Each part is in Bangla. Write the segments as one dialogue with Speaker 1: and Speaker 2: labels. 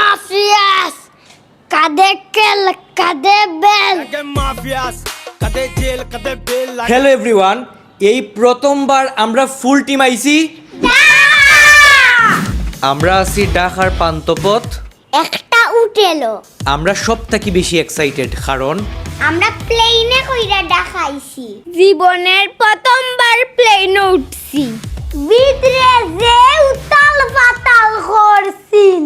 Speaker 1: মাফিয়াস কাদে কেল কাদে বেল
Speaker 2: হ্যালো এভরিওয়ান, এই প্রথমবার আমরা ফুল টিম আইছি। আমরা আছি ঢাকার পান্থপথ।
Speaker 1: একটা উঠেলো।
Speaker 2: আমরা সব থেকে বেশি এক্সাইটেড কারণ
Speaker 1: আমরা প্লেনে কইরা দেখাইছি। জীবনের প্রথমবার প্লেনে উঠছি। ভিতরে যে উতাল পাতাল করছিন।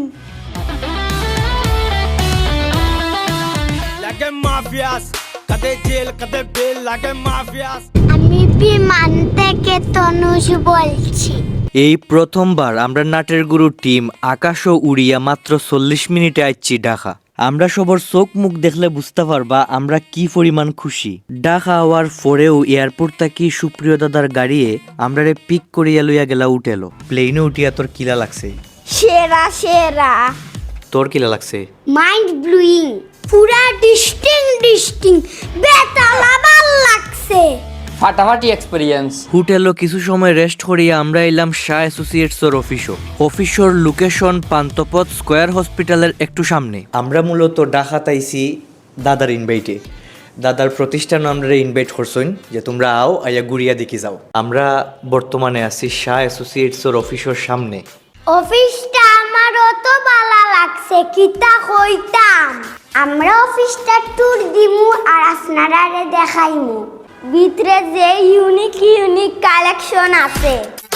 Speaker 1: আমি বিমান থেকে তনুষ বলছি।
Speaker 2: এই প্রথমবার আমরা নাটের গুরু টিম আকাশও উড়িয়া মাত্র 40 মিনিটে আইছি ঢাকা। আমরা সবার চোখ মুখ দেখলে বুঝতে পারবা আমরা কি পরিমাণ খুশি। ঢাকা হওয়ার পরেও এয়ারপোর্ট থেকে সুপ্রিয় দাদার গাড়িয়ে আমরা পিক করিয়া লইয়া গেলা উঠেলো। প্লেনে উঠিয়া তোর কিলা লাগছে?
Speaker 1: সেরা সেরা।
Speaker 2: তোর কিলা লাগছে?
Speaker 1: মাইন্ড ব্লোয়িং, পুরা ডিস্টিং বেতালা ভাল লাগছে।
Speaker 3: ফাটাফাটি এক্সপেরিয়েন্স।
Speaker 2: হোটেলও কিছু সময় রেস্ট করিয়া আমরা এলাম শাহ অ্যাসোসিয়েটসের অফিসের লোকেশন পান্থপথ স্কয়ার হসপিটালের একটু সামনে। আমরা মূলত ঢাকাত আইছি দাদার ইনভাইটে। দাদার প্রতিষ্ঠান আমরা ইনভাইট করছেন যে তোমরা আও আইয়া গুড়িয়া দেখি যাও। আমরা বর্তমানে আছি শাহ অ্যাসোসিয়েটসের অফিসের সামনে।
Speaker 1: অফিসটা আমার অত ভালো লাগছে কিতা কইতাম। আমরা অফিসটা ট্যুর দিমু আর আপনারা দেখাইমু ভিতরে যে ইউনিক কালেকশন আছে।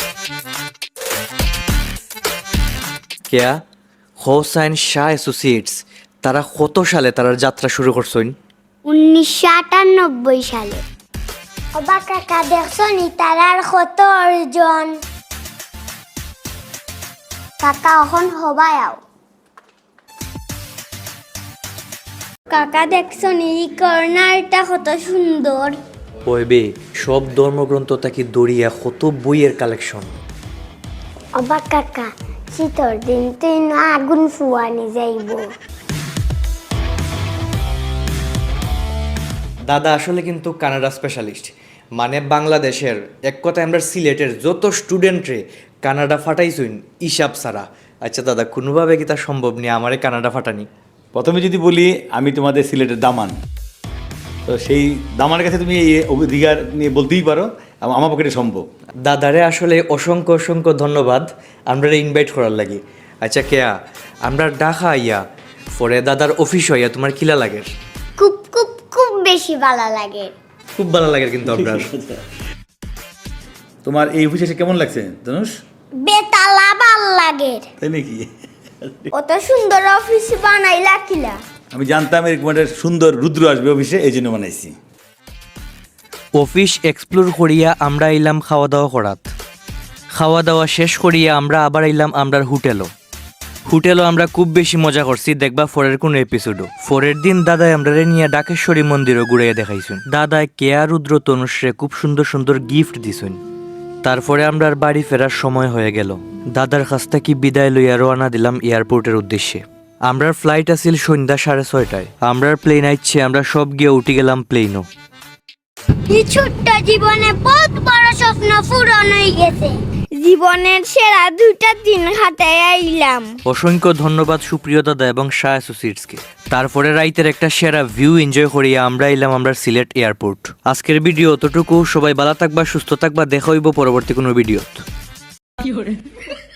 Speaker 2: কেয়া হোসাইন শাহ অ্যাসোসিয়েটস তারা কত সালে তারা যাত্রা শুরু করছেন?
Speaker 1: 1998 সালে। অবা কাকা দেখছনি তারার কত অর্জন। কাকা এখন হবাই আও। কাকা দেখছনি এই কর্নারটা কত সুন্দর।
Speaker 2: ওইবে সব ধর্মগ্রন্থ তাকে দড়িয়া কত বইয়ের কালেকশন।
Speaker 1: অবা কাকা শীতর দিন তুই না আগুন ফুয়ানি যাইব।
Speaker 2: দাদা আসলে কিন্তু কানাডা স্পেশালিস্ট, মানে বাংলাদেশের এক কথায় আমরা সিলেটের যত স্টুডেন্টরে কানাডা ফাটাইছুন হিসাব ছাড়া। আচ্ছা দাদা, কোনোভাবে কি তা সম্ভব নিয়ে আমারে কানাডা ফাটানি?
Speaker 4: প্রথমে যদি বলি আমি তোমাদের সিলেটের দামান, তো সেই দামানের কাছে তুমি এই অধিকার নিয়ে বলতেই পারো, আমার পক্ষে সম্ভব।
Speaker 2: দাদারে আসলে অসংখ্য ধন্যবাদ আমরা ইনভাইট করার লাগি। আচ্ছা কেয়া, আমরা ঢাকা আইয়া পরে দাদার অফিস হইয়া তোমার কিলা লাগে?
Speaker 1: খুব বেশি ভালো লাগে।
Speaker 2: খুব ভালো লাগে কিন্তু আপনার।
Speaker 4: তোমার এই অফিসে এসে কেমন লাগছে ধনুষ?
Speaker 1: বেতালা ভাল লাগে।
Speaker 4: তাই নাকি?
Speaker 1: অত সুন্দর অফিস বানাইলা কিলা?
Speaker 4: আমি জানতাম এরকম একটা সুন্দর রুদ্র আসবে অফিসে, এই জন্য বানাইছি।
Speaker 2: অফিস এক্সপ্লোর করিয়া আমরা এলাম খাওয়া দাওয়া শেষ করিয়া আমরা আবার এলাম আমরার হোটেলও আমরা খুব বেশি মজা করছি। দেখবা পরের কোনো এপিসোডও। পরের দিন দাদাই আমরা নিয়ে ডাকেশ্বরী মন্দিরও ঘুরাইয়া দেখাইছুন। দাদায় কেয়া রুদ্র তনুশ্রে খুব সুন্দর গিফট দিছুন। তারপরে আমরা বাড়ি ফেরার সময় হয়ে গেল। দাদার কাছ থেকে বিদায় লইয়া রওনা দিলাম এয়ারপোর্টের উদ্দেশ্যে। আমরার ফ্লাইট আছিল সন্ধ্যা 6:30টায়। আমরার প্লেন আইছে, আমরা সব গিয়ে উঠে গেলাম প্লেনও।
Speaker 1: এই ছোট্ট জীবনে বহুত বড় স্বপ্ন পূরণ হয়ে গেছে। জীবনের সেরা 2টা দিন হাতে আইলাম।
Speaker 2: অসংখ্য ধন্যবাদ সুপ্রিয় দাদা এবং শাহ অ্যাসোসিয়েটসকে। তারপরে রাইতের একটা সেরা ভিউ এনজয় করিয়া আমরা এলাম আমরা সিলেট এয়ারপোর্ট। আজকের ভিডিও অতটুকু। সবাই ভালো থাকবা, সুস্থ থাকবা। দেখা হইব পরবর্তী কোনো ভিডিও।